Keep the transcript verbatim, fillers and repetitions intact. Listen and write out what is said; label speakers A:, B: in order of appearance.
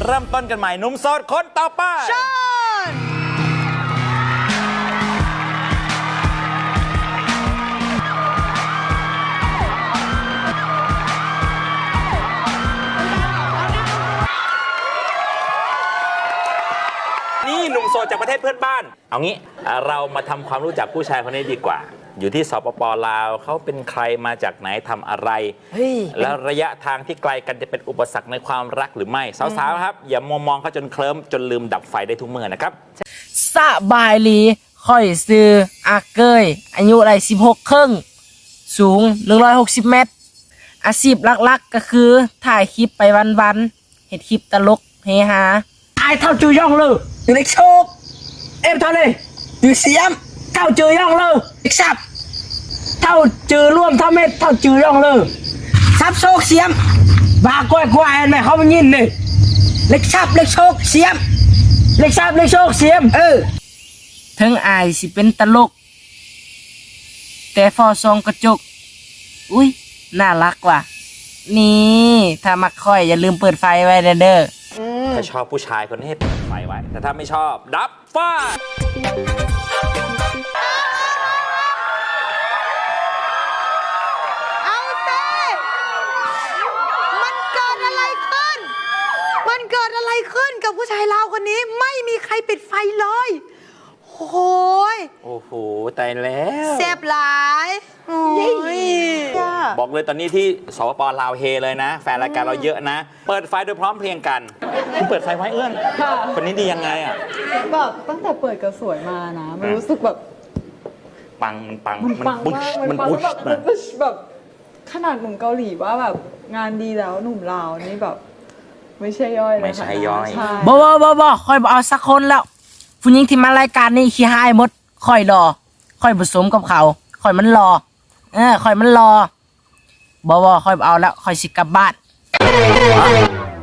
A: เริ่มต้นกันใหม่หนุ่มโสดคนต่อไป
B: ชน
A: นี่หนุ่มโสดจากประเทศเพื่อนบ้านเอางี้เรามาทำความรู้จักผู้ชายคนนี้ดีกว่าอยู่ที่สปป.ลาวเขาเป็นใครมาจากไหนทำอะไรแล้วระยะทางที่ไกลกันจะเป็นอุปสรรคในความรักหรือไม่สาวๆครับอย่ามัวมองเขาจนเคลิ้มจนลืมดับไฟได้ทุกเมื่อนะครับ
C: สบายลีค่อยซื้ออาเกยอายุไรสิบหกครึ่งสูงหนึ่งร้อยหกสิบเมตรอาชีพหลักๆก็คือถ่ายคลิปไปวันๆเห็ดคลิปตลกเฮฮาไอเท่าจือย่องเลยอยู่ในโชคเอ็มเท่าเลยอยู่เสียมเท่าจือย่องเลยอีกสับเท่าจือร่วมเท่าเม็ดเท่าจือย่องเลยซับโชคเสียมบากล้วยกล้วยเห็นไหมเขาไม่ยินเลยเล็กซับเล็กโชคเสียมเล็กซับเล็กโชคเสียมเออถึงอายสิเป็นตลกแต่ฟอซองกระจกอุ้ยน่ารักว่ะนี่ถ้ามักค่อยอย่าลืมเปิดไฟไว้เด้อ
A: ถ้าชอบผู้ชายคนนี้ให้เปิดไฟไว้แต่ถ้าไม่ชอบดับไฟ
B: เอาเต้มันเกิดอะไรขึ้นมันเกิดอะไรขึ้นกับผู้ชายลาวคนนี้ไม่มีใครปิดไฟเลยโอ้โห
A: โอ้โหตายแล้ว
B: แซ่บหลาย
A: บอกเลยตอนนี้ที่สปป.ลาวเฮเลยนะแฟนรายการเราเยอะนะเปิดไฟโดยพร้อมเพรียงกันคุณเปิดไฟไว้เอื้อนคนนี้ดียังไงอ่ะ
D: แบบตั้งแต่เปิดก็สวยมานะมันรู้สึกแบบ
A: ปังมันปัง
D: มันปังมากมันปังแบบมันแบบขนาดหนุ่มเกาหลีว่าแบบงานดีแล้วหนุ่มลาวนี่แบบไม่ใช่ย่อยเลย
A: ไม่ใช่ย่อย
C: บ่บ่บ่บ่ค่อยบ่เอาสักคนแล้วผู้หญิงที่มารายการนี้ขี้หายหมดค่อยรอค่อยผสมกับเขาค่อยมันรอเออค่อยมันรอบ่บ่ค่อยเอาแล้วค่อยสิกลับบ้าน